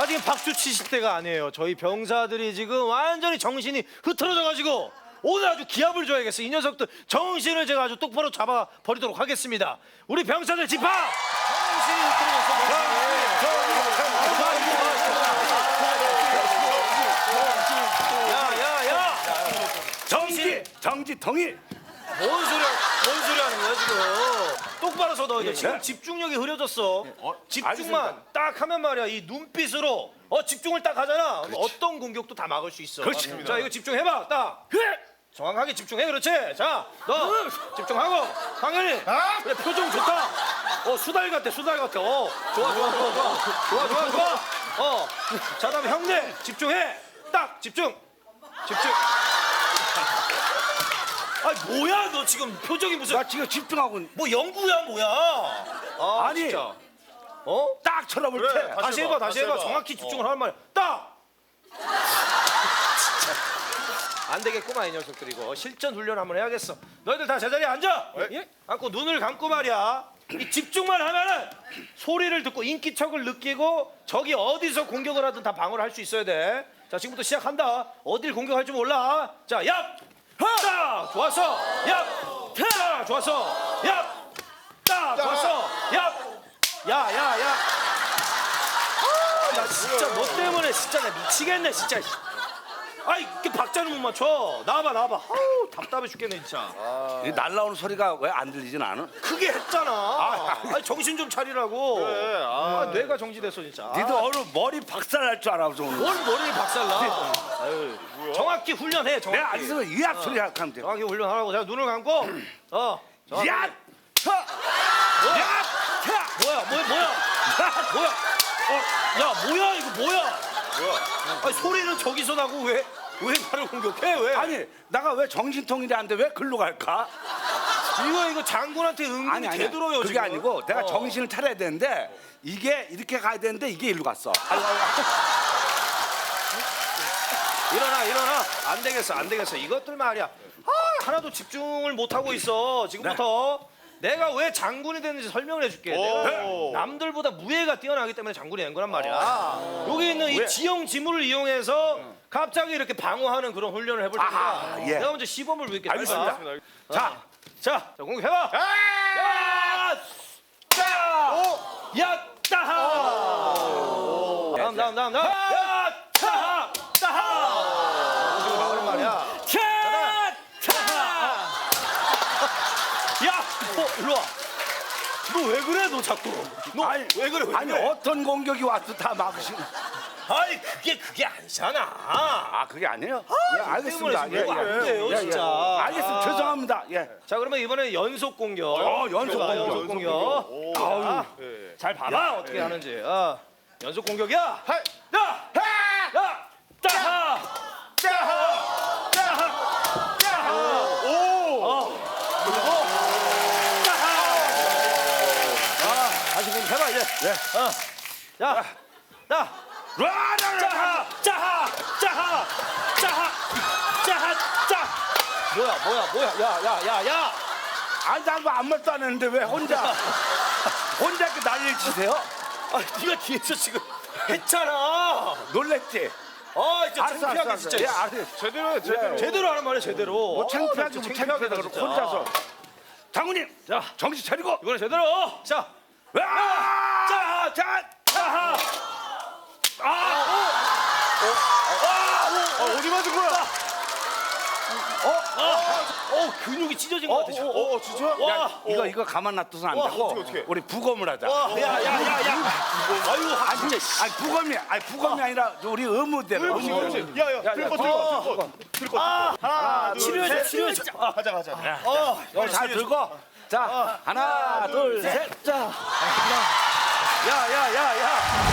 지금 박수 치실 때가 아니에요. 저희 병사들이 지금 완전히 정신이 흐트러져가지고 오늘 아주 기합을 줘야겠어. 이 녀석들 정신을 제가 아주 똑바로 잡아 버리도록 하겠습니다. 우리 병사들 집합! 정신이 흐트러졌어. 야야야! 정지 통일. 뭔 소리 하는 거야 지금? 똑바로 서 너. 지금 집중력이 흐려졌어. 집중만 알겠습니다. 딱 하면 말이야. 이 눈빛으로 집중을 딱 하잖아. 그럼 어떤 공격도 다 막을 수 있어. 그렇지. 자 이거 집중해봐. 딱. 정확하게 집중해. 그렇지. 자 너 집중하고. 당연히. 그래 표정 좋다. 수달 같아. 수달 같아. 좋아. 자 다음에 형님 집중해. 딱 집중. 아니 뭐야 너 지금 표정이 무슨 나 지금 집중하고 있는. 뭐 연구야 뭐야? 아니. 진짜. 딱 쳐다볼 때. 다시 해봐. 정확히 집중을 하란 말이야. 딱. 안 되겠구만 이 녀석들 이거 실전 훈련 한번 해야겠어. 너희들 다 제자리에 앉아. 앉고 눈을 감고 말이야. 이 집중만 하면은 소리를 듣고 인기척을 느끼고 적이 어디서 공격을 하든 다 방어를 할 수 있어야 돼. 자 지금부터 시작한다. 어딜 공격할 줄 몰라. 자 얍. 딱 좋았어. 얍. 딱 좋았어. 얍. 딱 좋았어. 얍. 야야야. 나 진짜 너 때문에 진짜 나 미치겠네 진짜. 아이 이렇게 박자를 못 맞춰. 나와봐. 아우 답답해 죽겠네 진짜. 이 날라오는 소리가 왜 안 들리진 않아? 크게 했잖아. 아니 정신 좀 차리라고. 뇌가 정지됐어 진짜. 니들 오늘 머리 박살날 줄 알아서 오늘. 뭘 머리를 박살나. 아유, 정확히 훈련해. 정확히. 내가 알겠어. 의학 소리 하면 돼. 정확히 훈련하라고. 제가 눈을 감고. 정확히. 야! 뭐야? 야! 뭐야? 야 뭐야 이거 뭐야? 아니 소리는 저기서 나고 왜 나를 공격해 왜? 아니, 나가 왜 정신통일이 안 돼? 왜 글로 갈까? 이거 장군한테 은근히 되들어요 그게 지금. 아니고 내가 정신을 차려야 되는데 이게 이렇게 가야 되는데 이게 일로 갔어. 일어나. 안 되겠어. 이것들 말이야. 하나도 집중을 못 하고 있어. 지금부터 내가 왜 장군이 됐는지 설명을 해줄게. 내가 남들보다 무예가 뛰어나기 때문에 장군이 된 거란 말이야. 여기 있는 이 지형 지물을 이용해서 갑자기 이렇게 방어하는 그런 훈련을 해볼 테니까 예. 내가 먼저 시범을 보일게. 알겠습니다. 자, 공격해봐. 야, 따하. 다음. 야, 따하. 지금 막으란 말이야. 야, 일로 와. 너 왜 그래, 너 자꾸? 너 왜 그래? 아니, 어떤 공격이 와도 다 막으시는. 아니 그게 아니잖아. 그게 아니에요? 예, 알겠습니다. 때문에 지금 안 돼요, 진짜. 알겠습니다. 죄송합니다. 예. 자, 그러면 이번에 연속 공격. 연속 공격. 자, 잘 봐봐 어떻게 하는지. 연속 공격이야. 야, 따하. 다시 공격해봐 이제. 자. 뭐야. 야. 아니, 난 아무 말도 안 했는데 왜 혼자 이렇게 난리를 치세요? 네가 뒤에서 지금 했잖아. 놀랬지? 진짜 창피하게 진짜. 예, 알았어요. 제대로 하는 말이야 제대로. 뭐 창피하게 진짜 뭐 창피하다 그러고 진짜. 혼자서. 장군님, 자, 정신 차리고. 이번에 제대로. 자, 어디 맞은 거야? 근육이 찢어진 것 같아. 진짜? 와, 이거 가만 놔둬서 안 되고 어떻게? 우리 부검을 하자. 야. 아니 부검이 아니라 우리 의무대로. 야야 들고 하나 치료해줘. 가자 여기 잘 들고. 자, 하나, 둘, 셋. 자. 야.